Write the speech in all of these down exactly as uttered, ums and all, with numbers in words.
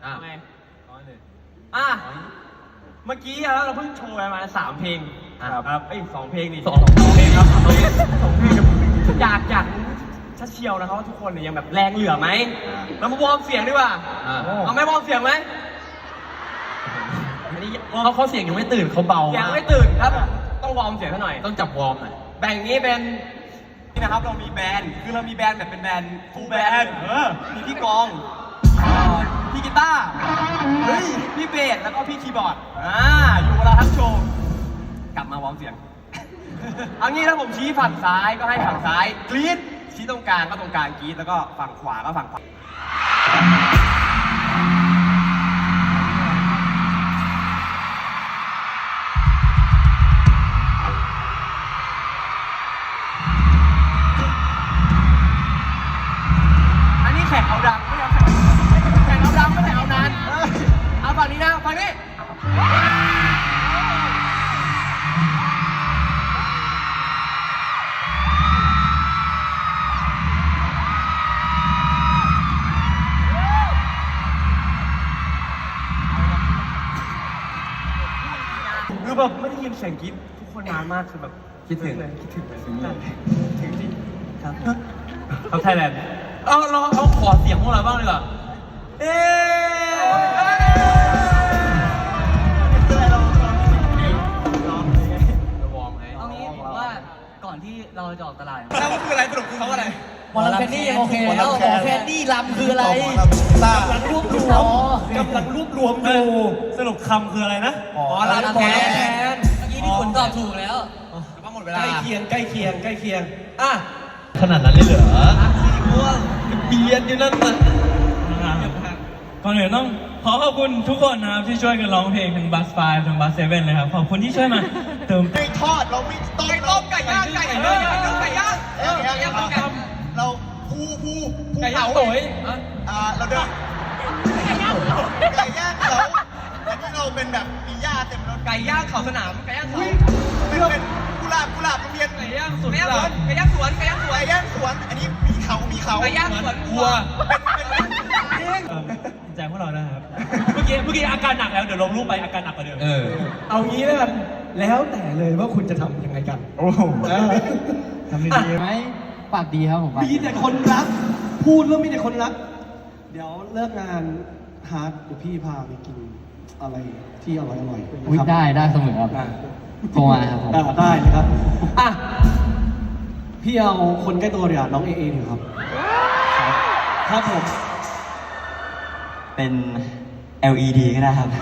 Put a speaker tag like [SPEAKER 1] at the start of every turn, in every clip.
[SPEAKER 1] อ่ะไง
[SPEAKER 2] อ่ะเมื่อกี้เราเพิ่งโชว์ไปมาสามเพลงครับไอ้สองเพลงนี่
[SPEAKER 1] สองเพลงครับสองเพลง
[SPEAKER 2] สองเพลงอยากอยากชัดเชียวนะครับว่าทุกคนเนี่ยยังแบบแรงเหลือไหมเรามาวอร์มเสียงดีกว่าเอาไหมวอร์มเสียงไหม
[SPEAKER 1] เขาเขาเสียงยังไม่ตื่นเขาเบา
[SPEAKER 2] เสียงไม่ตื่นครับต้องวอร์มเสียงซะหน่อย
[SPEAKER 1] ต้องจับวอร์มหน่อย
[SPEAKER 2] แบ่งนี้เป็นนี่นะครับเรามีแบนด์คือเรามีแบนด์แบบเป็นแบนด์ฟูลแบนด์มีพี่กองพี่กีตาร์เฮ้ยพี่เบสแล้วก็พี่คีย์บอร์ดอ่าอยู่เวลาทั้งโชว์กลับมาวอร์มเสียงเอางี้ถ้าผมชี้ฝั่งซ้ายก็ให้ฝั่งซ้ายกรี๊ดชี้ตรงกลางก็ตรงกลางกรี๊ดแล้วก็ฝั่งขวาก็ฝั่งขวาอันนี้แข่งเอาดังไม่เอาแข่งแข่งเอาดังไม่แข่งเอานานเอาฝั่งนี้นะฝั่งนี้คือแบบไม่ได้ยินเสียงกรี๊ดทุกคนนานมากคือแบบคิดถึงเลยคิดถึงเลยถึงจริงครับครับไทยแลนด์
[SPEAKER 1] เอาเราเขาขอเสียงพวกเราบ้างดีกว่า
[SPEAKER 2] เอ๊
[SPEAKER 1] เราวอร์มไง
[SPEAKER 3] เอางี้ผมว่าก่อนที่เราจะออกตลาด
[SPEAKER 2] แล้วมันคืออะไรสรุปคือเขาอะไร
[SPEAKER 3] หมอลำแคนดี้ยังโอเคแล้วหมอแคนดี้ลำคืออะไร
[SPEAKER 4] กำลังรวบรวมกำลังรวบรวมอยู่สรุปคำคืออะไรนะ
[SPEAKER 2] หมอลำแคนเ
[SPEAKER 3] มื่อกี้ที่คุณตอบถูกแล้ว
[SPEAKER 2] ก็หมดเวลา
[SPEAKER 4] ใกล้เคียงใกล้เคียงใกล้เคียง
[SPEAKER 2] อ่ะ
[SPEAKER 1] ขนาดนั้นเลยเหรอ
[SPEAKER 2] สีม่วง
[SPEAKER 1] เบียดอยู่นั่นน่ะ
[SPEAKER 5] ก่อนอื่นต้องขอขอบคุณทุกคนนะครับที่ช่วยกันร้องเพลงทั้งบัสไฟทั้งบัสเซเว่นเลยครับขอบคุณที่ช่วยมาเติม
[SPEAKER 4] ไม่ทอดเราไม่ต้ม
[SPEAKER 2] ไก่ต้มไก่ย่างไก่เนื้อย่างไก่ย่างเออไก่ย่างไก่
[SPEAKER 4] เราภูภูภู
[SPEAKER 2] ไก่ย่า
[SPEAKER 4] เขา
[SPEAKER 2] งสวย
[SPEAKER 4] อ่าเราเดินไก่ย่างไก่ย่างเขาอันนี้เราเป็นแบบมีหญ้าเต็มรถ
[SPEAKER 2] ไก่ย่างเขาสนามไก่ย่างเขา
[SPEAKER 4] เป็นเป็นกุหลาบกุหลาบโรงเรียน
[SPEAKER 2] ไก่ย่างสวนไก่ย่างสวนไก่ย่างสวนไก่ย่างสวน
[SPEAKER 4] ไก่ย่างสวนอันนี้มีเขามีเขา
[SPEAKER 2] ไก่ย่างสวนวัว
[SPEAKER 5] แจ้งพวกเรานะครับเมื่อกี้เมื่อกี้อาการหนักแล้วเดี๋ยวลงรูปไปอาการหนักกว่าเดิม
[SPEAKER 1] เออ
[SPEAKER 4] เอางี้แล้วกันแล้วแต่เลยว่าคุณจะทำยังไงกันโอ้โห
[SPEAKER 3] ทำดีไหมปากดีครับผม
[SPEAKER 4] มีแต่คนรักพูดแล้วมีแต่คนรักเดี๋ยวเลิกงานฮาร์ดเดี๋ยวพี่พาไปกินอะไรที่อร่อยอร่อย
[SPEAKER 3] ได้ได้เสมอครับโทรมาครับผม
[SPEAKER 4] ได้นะครับอ่ะพี่เอาคนใกล้ตัวเดี๋ยวน้องเอเอหนึ่งครับครับผม
[SPEAKER 6] เป็น แอล อี ดี ก็ได้ครับ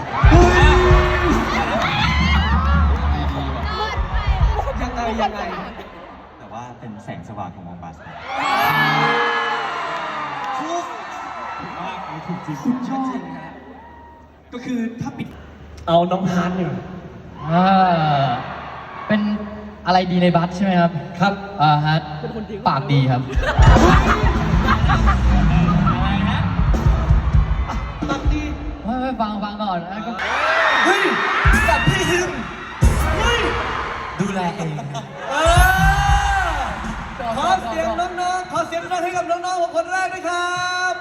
[SPEAKER 4] ยังไงยังไง
[SPEAKER 6] แต่ว่าเป็นแสงสว่างของมองบัส
[SPEAKER 4] ถูกถูกจริงชอบจริงฮะก็คือถ้าปิดเอาน้องฮาร์ดเนี่ย
[SPEAKER 3] อ่าเป็นอะไรดีในบัสใช่ไหมครับ
[SPEAKER 4] ครับ
[SPEAKER 3] อ่าฮะปากดีครับ
[SPEAKER 4] ปากดี
[SPEAKER 3] ไม่ไม่ฟังฟังก่อนนะก็
[SPEAKER 4] เฮ้ยแบบพี่ฮิมเฮ้ย
[SPEAKER 6] ดูแลเอง
[SPEAKER 4] เออขอเสียงน้องๆขอเสียงดังให้กับน้องๆคนแรกด้วยครับ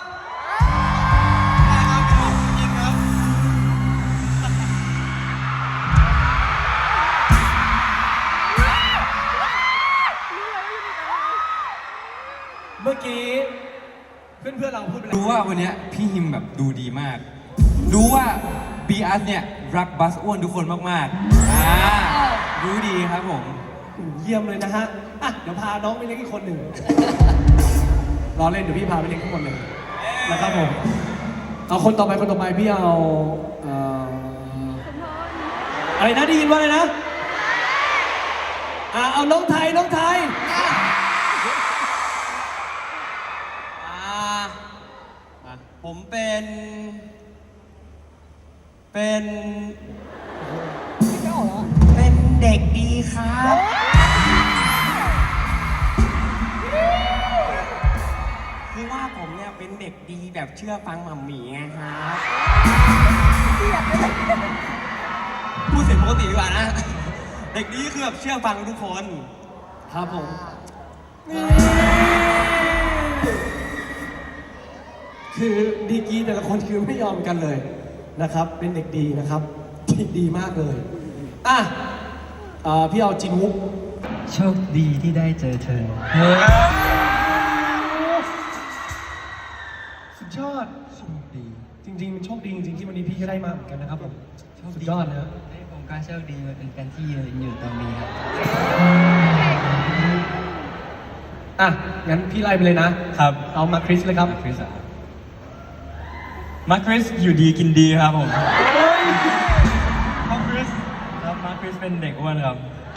[SPEAKER 4] เมื่อกี้เพื่อนๆเราพูดไปแล้ว
[SPEAKER 7] รู้ว่าวันนี้พี่ฮิมแบบดูดีมากรู้ว่าบีอาร์เนี่ยรักบัสอ้วนทุกคนมากๆอ่ารู้ดีครับผม
[SPEAKER 4] เยี่ยมเลยนะฮะอ่ะเดี๋ยวพาน้องไปเลี้ยงอีกคนหนึ่งรอเล่นเดี๋ยวพี่พาไปเลี้ยงทุกคนเลยนะครับผมเอาคนต่อไปคนต่อไปพี่เอาเอ่ออะไรนะได้ยินว่าอะไรนะอ่าเอาน้องไทยน้องไทย
[SPEAKER 2] ผมเป็นเป็น
[SPEAKER 4] เป็นเด็กดีครับ
[SPEAKER 2] คือว่าผมเนี่ยเป็นเด็กดีแบบเชื่อฟังหม่ำหมี่ไงครับพูดเสียงปกติดีกว่านะ เด็กดีคือแบบเชื่อฟังทุกคน
[SPEAKER 4] ครับผมคือดีกรีแต่ละคนคือไม่ยอมกันเลยนะครับ เป็นเด็กดีนะครับที่ดีมากเลยอ่ะเอ่อพี่เอาจินวุก
[SPEAKER 3] โชคดีที่ได้เจอเธอ
[SPEAKER 4] สุดยอดโชคดี จริงๆมันโชคดีจริงๆที่วันนี้พี่ก็ได้มาเหมือนกันนะครับผมสุดยอดนะ
[SPEAKER 3] ผมก็โชคดีมาเป็นกันที่ยืนอยู่ตรงนี้ครับ
[SPEAKER 4] อ่ะงั้นพี่ไล่ไปเลยนะครับ เอามาคริสเลยครับ
[SPEAKER 5] มาคริสอะมาคริสอยู่ดีกินดีครับผมมาคริสครับมาคริสเป็นเด็กอ้วนครับ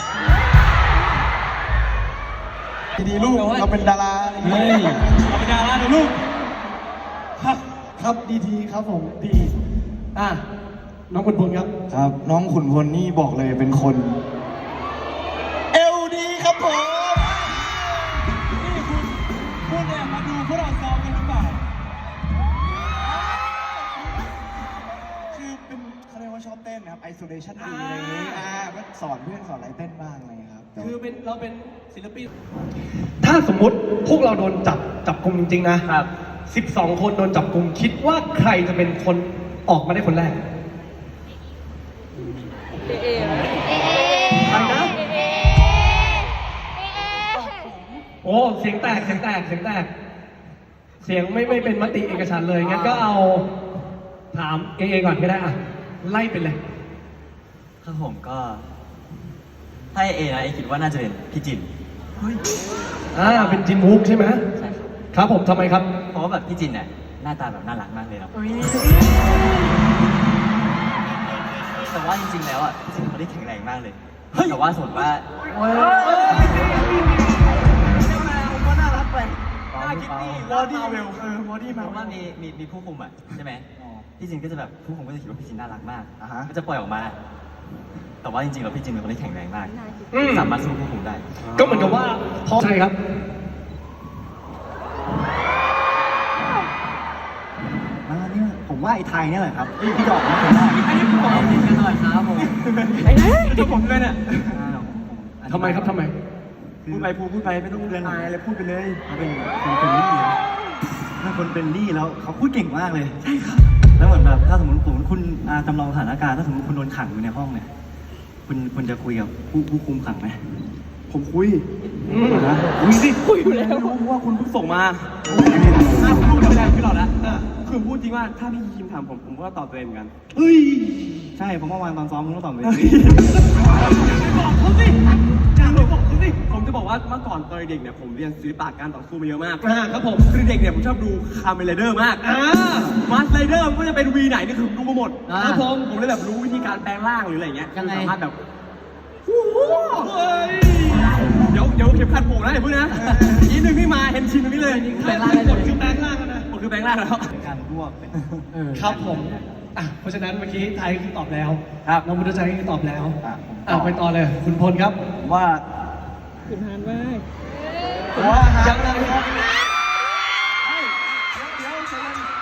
[SPEAKER 1] ดีๆลูก เราเป็นดารา
[SPEAKER 4] เฮ้ย
[SPEAKER 5] เราเป็นดารานะลูก
[SPEAKER 4] ครับครับดีทีครับผมดีอ่ะน้องบุญบุญครับ
[SPEAKER 1] ครับ น้องขุนพลนี่บอกเลยเป็นคน เอลดีครับผม
[SPEAKER 5] นี่คุณคุณเนี่ยมาดูพวกเราซ้อมกันหรือเปล่า
[SPEAKER 1] คือเป็นเขาเรียกว่าชอบเต้นนะครับ isolation ดีอะไรอย่างงี้อ่าก็สอนเพื่อนสอนอะไรเต้นบ้างอะไรอย่างเงี้ยครับแต่
[SPEAKER 4] คือเป็นเราเป็นศิลปิน ถ้าสมมุติพวกเราโดนจับจับกลุ่มจริงๆนะครับ สิบสองคนโดนจับกลุ่มคิดว่าใครจะเป็นคนออกมาได้คนแรกใครนะโอ้เสียงแตกเสียงแตกเสียงแตก เสียงไม่ไม่เป็นมติเอกฉันท์เลยงั้นก็เอาถามเอเอก่อนก็ได้อ่ะไล่ไปเลย
[SPEAKER 6] คือผมก็ถ้าเอนะเอคิดว่าน่าจะเป็นพี่จิน
[SPEAKER 4] อ่าเป็นจินวุกใช่ไหม
[SPEAKER 6] ใช่ครับ
[SPEAKER 4] ครับผมทำไมครับ
[SPEAKER 6] เพราะว่าแบบพี่จินเนี่ยหน้าตาแบบน่ารักมากเลยครับแต่ว่าจริงๆแล้วอ่ะพี่จินเขาได้แข็งแรงมากเลยแต่ว่าสมมติว่าก็น่ารักไปน่าคิดดีวอดี้เวลเออวอดี้มาว่ามีมีมีผู้คุมอ่ะใช่ไหมพี่จินก็จะแบบผู้คุมก็จะคิดว่าพี่จินน่ารักมากก็จะปล่อยออกมา แต่ว่าจริงๆแล้วพี่จินเป็นคนที่แข็งแรงมาก
[SPEAKER 4] อืม
[SPEAKER 6] สามารถสู้ผู้คุมได้
[SPEAKER 4] ก็เหมือนกับว่าพอใช่ครับ
[SPEAKER 1] อ่าเนี่ยผมว่าไอ้ไทยเนี่ยแหละครับพี่ดอกนะผมว่า
[SPEAKER 6] อันนี้ผมบอกจริงกันหน่อยครับผม
[SPEAKER 2] ไอ้เนี่ยตัวผมเลยเนี่ย
[SPEAKER 4] ทำไมครับทำไม
[SPEAKER 2] พูดไปพูดพูดไปไม่ต้องเรียนอายอะไรพูดไปเลย
[SPEAKER 1] เขาเป็นคนเป็นลี่นะถ้าคนเป็นลี่แล้วเขาพูดเก่งมากเลย ใช่ครับ แล้วเหมือนแบบถ้าสมมติผมคุณอ่าจำลองสถานการณ์ถ้าสมมติคุณโดนขังอยู่ในห้องเนี่ย คุณคุณจะคุยกับผู้ผู้คุมขังไหม
[SPEAKER 2] ผมคุย
[SPEAKER 4] อืม
[SPEAKER 2] นะคุยสิคุยอยู่แล้วรู้เพราะว่าคุณเพิ่งส่งมาถ้าพูดไม่ได้พี่หลอดนะคือพูดจริงว่าถ้าพี่คิมถามผมผมก็ตอบตัวเองเหมือนกัน
[SPEAKER 4] เฮ้ย
[SPEAKER 1] ใช่ผมเมื่อวานตอนซ้อมมึงต้องตอบเลย
[SPEAKER 2] บอกเขาสิอยากบอกเขาสิผมจะบอกว่าเมื่อก่อนตอนเด็กเนี่ยผมเรียนศิลปะการต่อสู้มาเยอะมาก
[SPEAKER 4] อ่าครับผม
[SPEAKER 2] คือเด็กเนี่ยผมชอบดูคาร์เมนไรเดอร์มาก
[SPEAKER 4] อ่า
[SPEAKER 2] มาสไรเดอร์ก็จะเป็นวีไหนนี่คือผมดูมาหมด
[SPEAKER 3] อ่า
[SPEAKER 2] ครับผมผมเลยแบบรู้วิธีการแปลงร่างหรืออะไรเงี้ย
[SPEAKER 3] ยังไง
[SPEAKER 2] สามารถแบบโอ้โหเฮ้ยเดี๋ยวเดี๋ยวเข็มขัดผูกนะอย่าเพิ่งนะอีกหนึ่งที่มาเห็นชินตรงนี้เลย
[SPEAKER 3] แปลงร่างได้เลย
[SPEAKER 4] คือแปลงร่างกันนะ
[SPEAKER 2] ผมคือแปลงร่างแล้ว
[SPEAKER 1] การรวบเป็น
[SPEAKER 4] ครับผมอ่ะเพราะฉะนั้นเมื่อกี้ไทยคือตอบแล้ว
[SPEAKER 2] ครับ
[SPEAKER 4] น้องบุญใจคือตอบแล้ว
[SPEAKER 1] อ่ะผมต
[SPEAKER 4] อ่ะ
[SPEAKER 1] อบ
[SPEAKER 4] ไปต่อเลย คุณพลครับ
[SPEAKER 1] ผมว่าคุณฮานมากผมว่าฮาน
[SPEAKER 4] ยังไงครับ
[SPEAKER 1] เดี๋ยวเดี๋ยวเดี๋ยว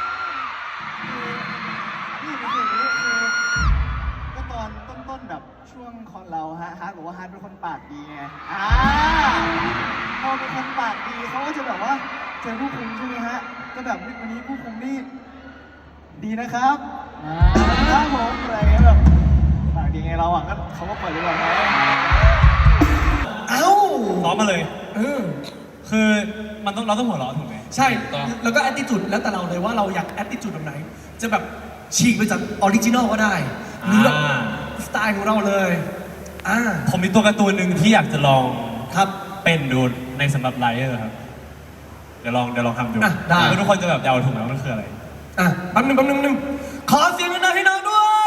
[SPEAKER 1] นี่เป็นอย่างนี้คือก็ตอนต้นๆแบบช่วงคอนเราฮะฮาร์ดบอกว่าฮาร์ดเป็นคนปากดีไงอ่าพอเป็นคนปากดีเขาก็จะแบบว่าเจอผู้คุมใช่ไหมฮะก็แบบวันนี้ผู้คุมนี่ดีนะครับครับผมอะไรเงี้ยแบบปากดีไงเราอ่ะก็เขาก็เปิดดีกว่าไง
[SPEAKER 4] เอ้า
[SPEAKER 5] ซ้อมมาเลย
[SPEAKER 4] เออ
[SPEAKER 5] คือมันต้องเราต้องหัวเราะถูกไหม
[SPEAKER 4] ใช่
[SPEAKER 5] ถูกต้อง
[SPEAKER 4] แล้วก็แอ t ติจูดแล้วแต่เราเลยว่าเราอยากแอ t ติจูดแบบไหน จะแบบฉีกไปจากออริจินอลก็ได้ หรือแบบ
[SPEAKER 5] อ่า
[SPEAKER 4] สไตล์ของเราเลย อ่า
[SPEAKER 5] ผมมีตัวการ์ตูนหนึ่งที่อยากจะลอง
[SPEAKER 4] ครับ
[SPEAKER 5] เป็นดูในสำหรับไลเออร์ครับ เดี๋ยวลองเดี๋ยวลองทำดู
[SPEAKER 4] อ่ะได้
[SPEAKER 5] แล้วทุกคนจะแบบเดาถูกไหมว่ามันคืออะไร
[SPEAKER 4] อ่ะแป๊บนึงแป๊บนึงแป๊บนึงขอเสียงหน่อยให้น้องด้วย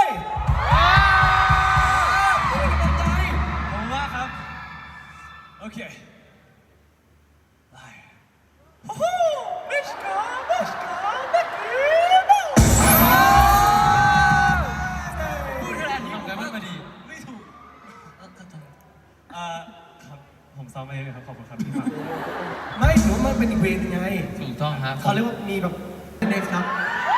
[SPEAKER 4] เป็นกำลังใจ
[SPEAKER 5] ผมว่าครับ โอเคไลโอ้โหมิชกามิชกามิชกาพูดขนาดนี้ผมก็มาดี ไม่ถูกเอ่อครับผมซ้อมมาเองครับ ขอบคุณครับที่ฟัง
[SPEAKER 4] ไม่ถือว่ามันเป็นอีกเวย์หนึงไง
[SPEAKER 5] ถูกต้องครับ
[SPEAKER 4] เขาเรียกว่ามีแบบเน็กครับ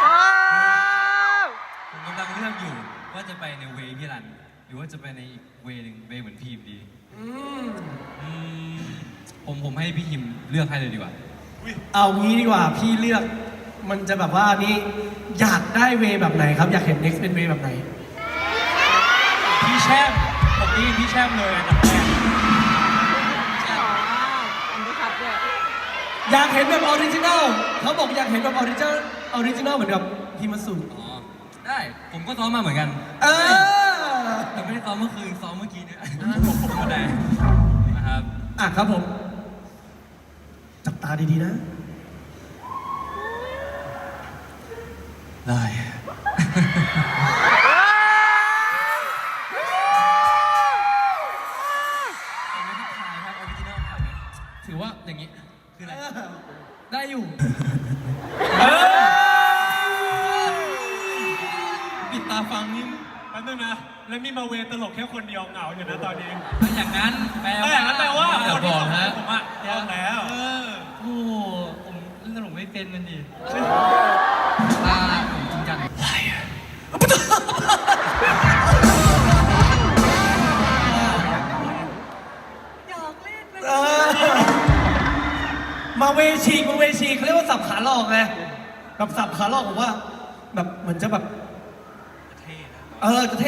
[SPEAKER 7] ผมกำลังเลือกอยู่ว่าจะไปในเวย์พี่รัน หรือว่าจะไปในอีกเวย์หนึ่งเวย์เหมือนพี่ฮิมดี
[SPEAKER 4] อืม
[SPEAKER 7] อืมผมผมให้พี่ฮิมเลือกให้เลยดีกว่า
[SPEAKER 4] เอางี้ดีกว่าพี่เลือกมันจะแบบว่านี่อยากได้เวย์แบบไหนครับ อยากเห็น next เป็นเวย์แบบไหน
[SPEAKER 5] พี่แช่มผมนี่พี่แช่มเลยอันดับแรก
[SPEAKER 4] อยากเห็นแบบออริจินัลเขาบอกอยากเห็นแบบออริจินัลออริจินัลเหมือนกับฮิมาสุ
[SPEAKER 7] อ๋อ ได้ ผมก็ซ้อมมาเหมือนกัน
[SPEAKER 4] เออ
[SPEAKER 7] แต่ไม่ได้ซ้อมเมื่อคืน ซ้อมเมื่อกี้เนี่ยก็ได้นะครับ
[SPEAKER 4] อ่ะครับผม จับตาดีๆนะ
[SPEAKER 7] ได้ ถือว่าอย่างนี้ คืออะไร ได้อยู่ ปิดตาฟังนี่
[SPEAKER 5] แป๊บนึงนะ แล้วมีมาเวตลกแค่คนเดียวเหงาอยู่นะตอนนี้
[SPEAKER 7] ถ้าอย่างนั้นแปล
[SPEAKER 5] ถ้า
[SPEAKER 7] ว่า
[SPEAKER 5] อย่างนั้นแปลว่า
[SPEAKER 7] เดี๋ยว
[SPEAKER 5] คน
[SPEAKER 7] บ
[SPEAKER 5] ที่
[SPEAKER 7] อก
[SPEAKER 5] ส่ง
[SPEAKER 7] ฮะ
[SPEAKER 5] ผมอะยากแล้ว
[SPEAKER 7] เออโอ้โหผมเล่นตลกไม่เป็นมันดิตาผมจริงจังอะไรอะ
[SPEAKER 4] เออมาเวชีกมาเวชีกเขาเรียกว่าสับขาหลอกไงแบบสับขาหลอกผมว่า แบบเหมือนจะแบบเออจะเท่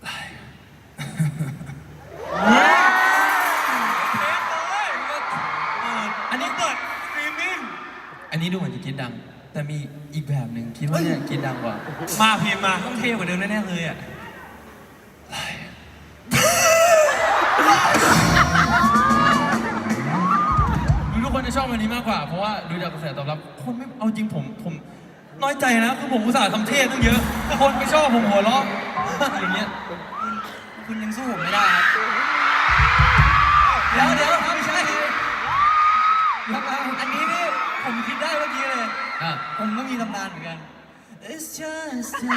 [SPEAKER 5] อันนี้เปิดสตรีมมิ่ง
[SPEAKER 7] อันนี้ดูเหมือนจะคิดดัง แต่มีอีกแบบหนึ่งคิดว่าเนี่ยคิดดังกว่า
[SPEAKER 5] มาพิมพ์มา
[SPEAKER 7] ต้องเท่กว่าเดิมแน่ๆเลยอ่ะดูทุกคนจะชอบอันนี้มากกว่า เพราะว่าดูจากกระแสตอบรับ คนไม่เอาจริงผมผมน้อยใจนะคือผมอุตส่าห์ทำเท่ตั้งเยอะ คนไม่ชอบผมหัวเราะอย่างเงี้ยคุณคุณยังสู้ผมไม่ได้ครับเดี๋ยวเดี๋ยวไม่ใช่อันนี้นี่ผมคิดได้เมื่อกี้เลยผมก็มีตำนานเหมือนกัน It's just a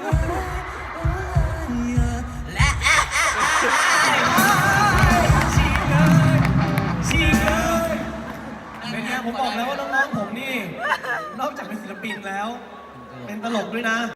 [SPEAKER 7] และ
[SPEAKER 4] ฉีกเลยฉีกเลยเป็นไงผมบอกแล้วว่าน้องๆผมนี่ นอกจากเป็นศิลปินแล้ว เป็นตลกด้วยนะ